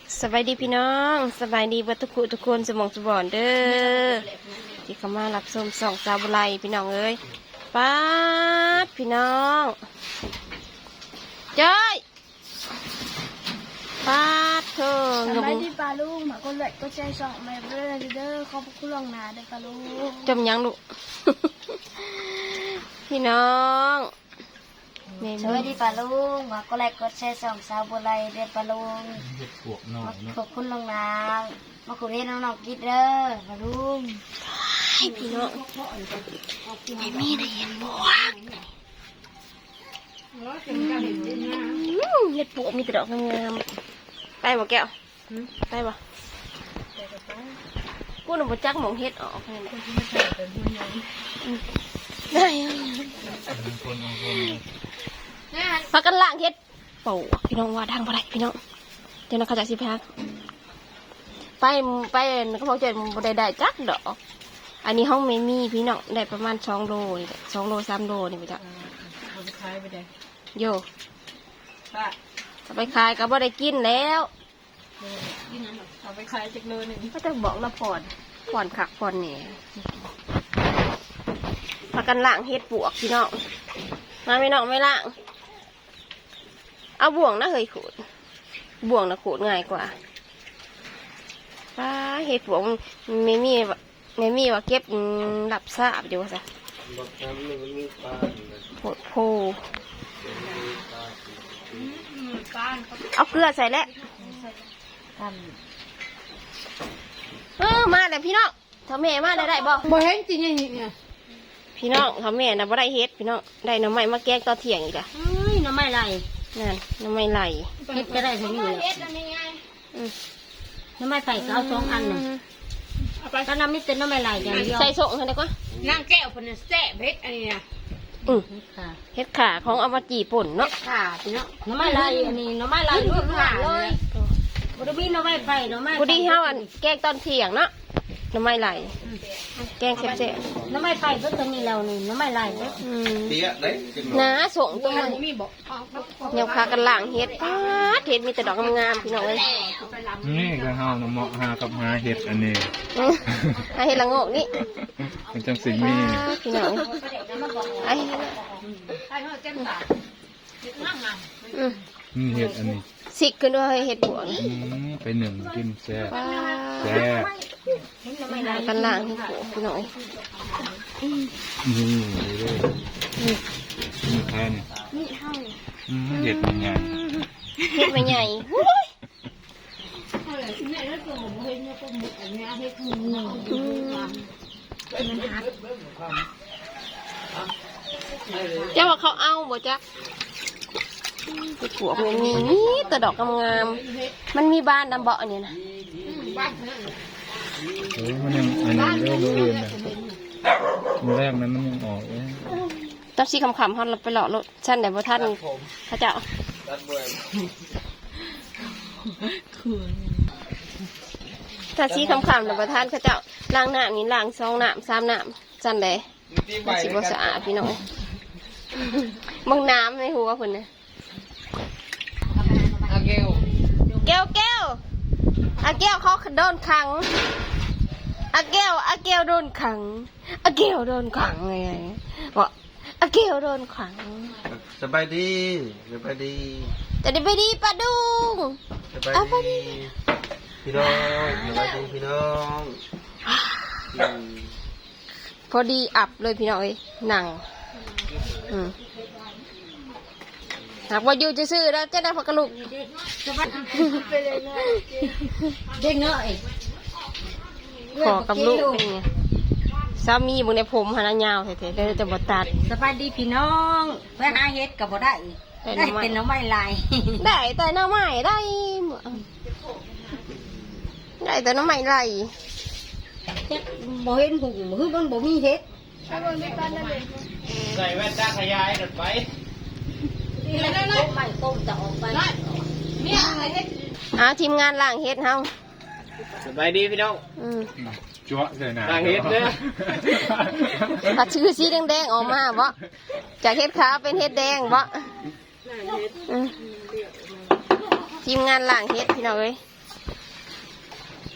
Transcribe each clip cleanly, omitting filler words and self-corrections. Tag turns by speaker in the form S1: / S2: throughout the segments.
S1: สบายดีพี่น้องสบายดีบัดทุกคนสมองสมบอนเด้อที่เข้ามารับชมส่องสาวบุไรพี่น้องเอ้ยป้าดพี่น้องเจ้ยป้าดเธอ
S2: สบายดีปลาลูกหมาก็เลยก็ใจส่องมาเรื่อยเด้อขอบคุณลวงหนาเด้อปลาลูก
S1: จมยังลูก พี่น้อง
S2: สวัสดีปลาลูกหมาก็เลยก็ใจส่องสาวบัวไรเด้อปลาลูกขอบคุณลวงหนามาคุยให้น้องๆกินเด้อปลาลูก
S1: พี่น้องไม่มีได้เห็นบวกเห็ดปวกมีแต่ดอกงามๆไปบ่แก้วไปบ่กูหนุ่มจักหมองเห็ดออกได้พักกันล่างเห็ดปวกพี่น้องว่าทางบ่ได้พี่น้องเดี๋ยวเราเข้าใจสิพักไปเขาบอกจะได้จักดอกอันนี้ห้องไม่มีพี่น้องได้ประมาณ2 โล2 โล 3 โลนี่พี่จ้ะ
S3: เอาไปขายไปได้
S1: โย่
S3: ป้า
S1: เอาไปขายก็บ่ได้กินแล้ว
S3: ยิ่งนั้นเอาไปขายจากโลนึง
S1: ก็จะบอกละผ่อนขักผ่อนเนี่ยพากันล่างเฮ็ดปวกพี่น้องมาไม่น้องไม่ล่างเอาบ่วงนะเฮ้ยขูดบ่วงนะขูดง่ายกว่าป้าเฮ็ดปวกไม่มีว่าเก็บหลับซาบเดี๋ยวซะโหดโพเอาเกลือใส่แล้วมาแต่พี่น้องทำแม่มาได้บ่
S3: บ่เห็นจริงเนี่ย
S1: พี่น้องทำแม่นะบ่ได้เฮ็ดพี่น้องได้น้ำไม้มาแกงตอนเที่ยงอีกอ่ะ
S3: น้ำไม่ไหล
S1: นั่นน้ำไม้ไหล
S3: เฮ็ดก็ได้ทั้งนี้เลยน้ำไม่ใส่ก็เอา2 อันน่ะก็น้ำมิเต็นน้ำไม่ไหลอย่างเดียว
S1: ใส่ส่งให้ได้ก่อน
S3: นางแก้วคนนั้นแซ่บเฮ็ดอันนี้นะ
S1: เฮ็ดขาของเอามาจีป่นเนาะ
S3: ค่ะพี่น้องน้ำไม่ไหลอันนี้น้ำไม่ไหลลูกหลานเลยบ่ได้มีน้ำไม่ไฟน้ำไม่
S1: พอดีเฮาอันแกงตอนเที่ยงเนาะน้ำไม้ไหลแกงแซ่บ
S3: ๆน้ำไม่ไฟก็ตรงนี้แล้วนี่น้ำไม่ไหลเด้อ
S4: เตี้ยเด้
S1: น้าส่งตรงนี้ยังพากันล้างเฮ็ดป้าดเฮ็ดมีแต่ดอกงามๆพี่น้องเอ้ย
S4: นี่ก็เฮาน้ำเหมาะหากับหาเห็ดอันนี้
S1: เฮ็ดละโงกนี่
S4: มันจังสิมี
S1: พี่น้องไอ้
S4: เห็ดอันนี้
S1: สิขึ้นด้วยเฮ็ดบวง
S4: ไปหนึ่งกินแซ่บ
S1: กันล้างเฮ็ดบวงพี่น้อง
S4: นี่เลยนี่แค่นี้เห็ดมันใหญ่
S1: เฮ็ดมันใหญ่เจ้าว่าเขาเอาบ่จ๊ะเฮ็ดบวงมันมีแต่ดอกงามๆมันมีบ้านดำเบาะเนี่ยนะ
S4: มันยังอันนี้เรื่องอื่นนะมันแรกนั้นมันยังออกเลย
S1: ตอนชี้คำเขาไปหล่อรถชั้นไหนบ่ท่านพระเจ้าถ้าชี้คำหรือบ่ท่านพระเจ้าล้างน้ำนี่ล้าง2 น้ำ 3 น้ำชั้นไหนมันสิบ่สะอาดพี่น้องบางน้ำในหัวคนนะแก้วเขาโดนขังแก้วโดนขังแก้วโดนขังไงบอกแก้วโดนขัง
S4: สบายดี
S1: จะได้ไปดีปะดุง
S4: สบายดีพี่น้องสบายดีพี่น้อง
S1: พอดีอับเลยพี่น้องเอ้ยหนังหากว่าอยู่จะซื้อแล้วจะได้พักกระลุก
S3: เด็กน้อย
S1: ขอกับลูกเป็นไงสามีบุญในผมหานายาวเถอะๆจะบดตัด
S3: สบายดีพี่น้องไปหาเฮ็ดกับบ่ได้เป็นน้ำไม้ลาย
S1: ได้แต่น้ำไม้ได้แต่น้ำไม้ไหล
S3: บ่เห็นหุ่งคือมันบ่มีเฮ็ด
S4: ใส่แว่นตาขยายหน่อยไป
S3: ไม่ต้มจะออกไป
S1: ทีมงานล่างเฮ็ดเฮา
S4: สบายดีพี่น้องจั๊วเลยนะล่างเฮ็ดเนี่ย
S1: ตัดชื่อสีแดงๆออกมาบ่จากเฮ็ดขาวเป็นเฮ็ดแดงบ่ทีมงานล่างเฮ็ดพี่น้องเอ้ย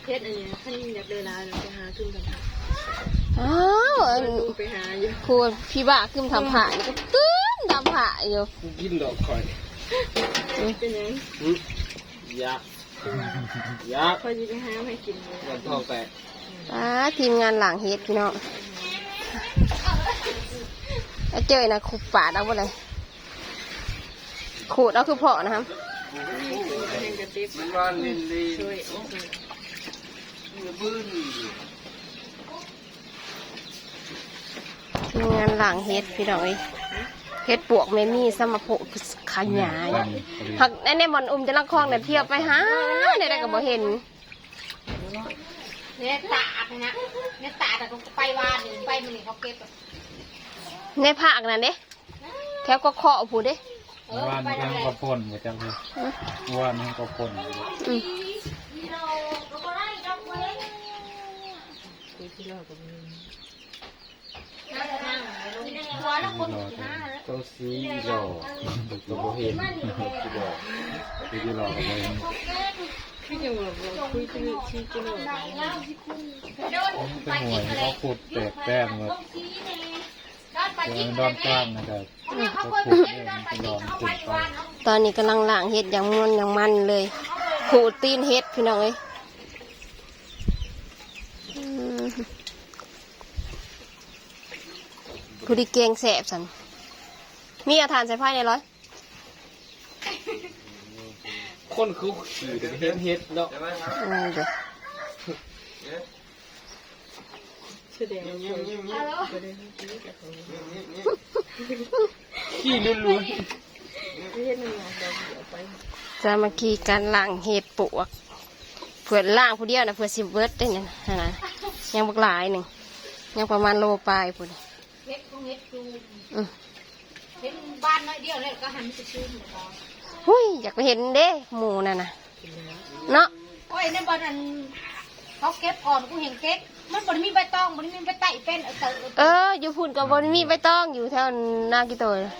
S3: เพชรอันนี้ท่านอยากเดินลาไปหาขึ้นกัน
S1: อ้าวอัน
S3: ไปหาอยู่
S1: ครูพี่บ้าขึ้นทำผ่านี่ก็ตื้นทำผ่าอยู่
S4: กินดอกคอย
S3: เป็นยัง
S4: ยักษ์ยักษ์
S3: พอจะไปหาให้กินเลย
S4: วันทองแตก
S1: ทีมงานหลังเฮ็ดพี่น้องแล้วเจอนะขูดปาดเอาไปเลยขูดเอาคือเพาะนะครับ
S3: แห้งกระติบ
S4: มันว่าลินลี
S3: ช่วย
S4: บื้น
S1: ทีมงานหลังเฮ็ดพี่น้องเอ้ยเฮ็ดปวกไม่มีสมภพขยายหักในบอนจะลักคลองเนี่ยเที่ยวไปหาได้ก็บ่เห็น
S2: เนี่ยตาดนะเนี่ยตาดแต่ก็ไปวานไปมันนี่เขาเก็บ
S1: ในภาคนั่นเด้แถวก็เคาะผู้เด้
S4: ว่านมันก็พ่นมาจังเลยว่านมันก็พ่น
S1: อืม
S4: ตัวสีหล่อตัวโบเห็นสีหล่อสีหล่อเลย
S3: พี่ยังบอกคุยที่กินหรอ
S4: เป็นหัวเขาขุดแตกแป้งเลยดอนกล้ามนะครับเขาขุดเนี่ยมันลองขุดไป
S1: ตอนนี้กำลังล้างเฮ็ดอย่างม่วนอย่างมันเลยขูดตีนเฮ็ดพี่น้องเอ้ยผู้ที่เก่งแสบสันมีอาทานใส่ไพ่ในร้อย
S5: คนคือขี่เฮ็ดเนาะ
S1: เดี๋ยว
S3: แสดงว่า
S5: ขี่ล้วน
S3: ไม่เห็นมันเราเดี๋ยวไป
S1: จะมาขี่การล้างเห็ดปวกเผื่อล้างผู้เดียวนะเผื่อสิบเบิร์ดได้เนี่ยนะยังบักหลายหนึ่งยังประมาณโลปลายพุ่น
S2: เฮ็ดก็เฮ็ดดู
S1: อืม
S2: เฮ็ดบ้านน้อยเดียวเลยก็หันไปซื้อหมดแล้ว
S1: หุ้ยอยากไปเห็นเด้หมูนั่นนะเนาะ
S2: โอ้ยในบ้านนั้นเขาเก็บก่อนกูเห็นเก็บมันบ่ได้มีใบตองบ่ได้มีใบไต่เป็น
S1: อยู่พุ่นกับบนมีใบตองอยู่แถวนากิโตย
S5: ๆ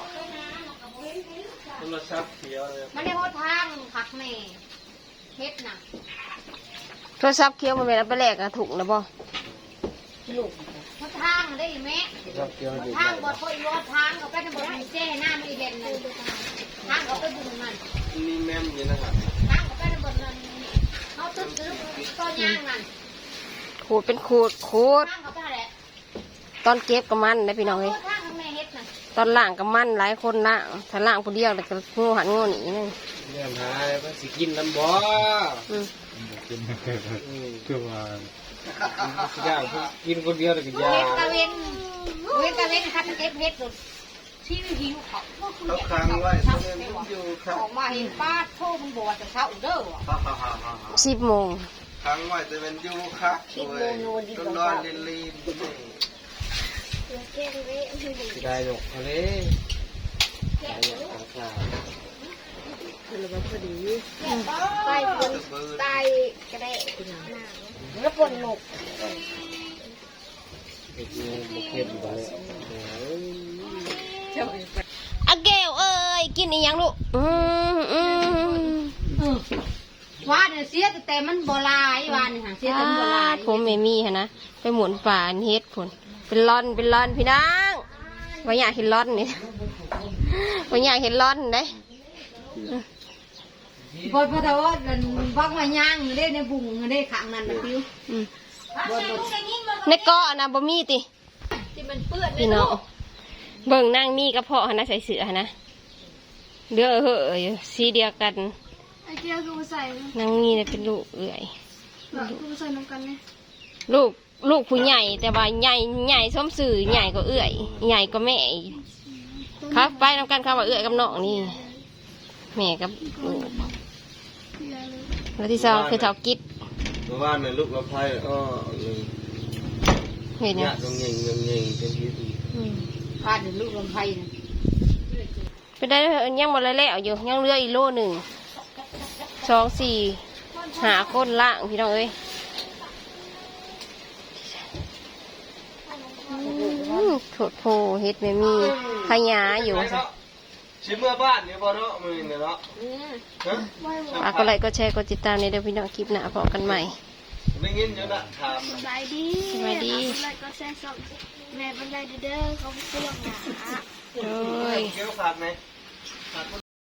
S5: โทรศัพท์เขียวเลย
S2: มันได้หดทางผักแม่เฮ็ดน่ะ
S1: โทรศัพท์เคี้ยวมันเป็นอันไปแลกอะถูกนะบ่
S2: หดทางได้แม่
S5: ครับเขียวอยู่
S2: ทางบ่ค่อยรอทางเขาไปในบ่มีเจ้หน้าไม่เด่นนั่นทางเขาไปบุญมัน
S5: มีแม่มอยู่นะครับ
S2: ทางเขาไปในบ่นั้นเขาตึ๊ดต้นย่างนั่น
S1: ขูดเป็นขูด
S2: ทางเขาไปแหละ
S1: ตอนเก็บกับมันนะพี่น้องเอ้ย
S2: ทางแม่เฮ็ดน่ะ
S1: ตอนล่างกับมันหลายคนล่างถ้าล่างผู้เดียวแต่ก็งูหันงูหนีนั่น
S5: เนี่ยหายมันสิกินน้ำบ่
S1: อืม
S4: กินคือว่า
S5: ย่างกินคนเดียวเลยก็ย่า
S2: เฮ็ด
S5: ง
S2: ตะเวนคัดเก็บเฮ็ดสุดที่หิวเขา
S5: เขาค้างไว้ตรงนี้มันอยู่ครับ
S2: ออกมาเห็นป้าโทรมันบอกว่าจะเข้าเด้อ
S1: 10 โมง
S5: ค้างไว้แต่มันอยู่ครับต้นนอนลินลีได้หรอกอะไรได้หรอกค่ะ
S3: คือเราพอดี
S2: ไปคนตายก็ได้แล้วปนหนก
S5: เห็ดเนี่ยเห็ดไป
S3: เจ้าไป
S1: อะแก้วเอ้ยกินอีหยังลูก
S2: ว่าเนี่ยเสียแต่มันบ่ลายว่านี่ค่ะเสียแต่มันบ่ลาย
S1: ผมไม่มีฮะนะไปหมุนป่านเฮ็ดผลเป็นร่อนพี่นางว่าอยากเห็นร่อนนี่ว่าอยากเห็นร่อนได้
S2: พอแต่ว่าบักมาย่างอยู่ได้ในบุ้งได้ขังนั่นนะพิว
S1: อืมในเกาะนะบ่มีติ
S2: ที่มันเปื้อน
S1: พี่น้องเบิ่งนางมีกระเพาะหนนะใส่เสื้อหนนะเด้อเหอะอยู่สีเดียวกัน
S2: ไอ้เจ้าคือใส่
S1: นางมีเนี่ยเป็นลูกเอื่อย
S2: คือใส่น้ำกันเนี่ย
S1: ลูกผู้ใหญ่แต่ว่าใหญ่ส้มสื่อใหญ่ก็เอื่อยใหญ่ก็แม่อีกครับไปนำกันครับว่าเอื่อยกับน้องนี่แม่กับลูกแล้วที่สองคือเท่ากิด
S5: เมื่อวานเนี่ยลูกเราพายอ้อเลย
S1: เห็น
S5: เนี่
S1: เนี่ย ย
S5: ตรงเงี้ยเป็นที่ดี
S2: พาเดี๋ยวลูกลำไส้นะ
S1: ไปได้ยังหมดแล้วอยู่ยังเหลืออีกโลหนึ่ง2 4 5 คนล่างพี่น้องเอ้ยโถดโพเฮ็ดไม่มีขยาอยู่สิ
S5: ชิมเมื่อบ้านเนี่ยบ่เนาะมือเนี่ยเนาะฮะ
S1: ฝากกดไลค์กดแชร์กดติดตามในเดี๋ยวพี่น้องคลิปหน้าพบกันใหม่
S5: ไม่งินอยู่ละถาม
S2: สบายดี
S1: สบายดี
S2: แล้วก็แซ่ส่งแม่บรรยายเด้อเขาไปเสื่อมหนา
S1: โอ้ย
S5: เกี่ยวขาดไหมขาดคน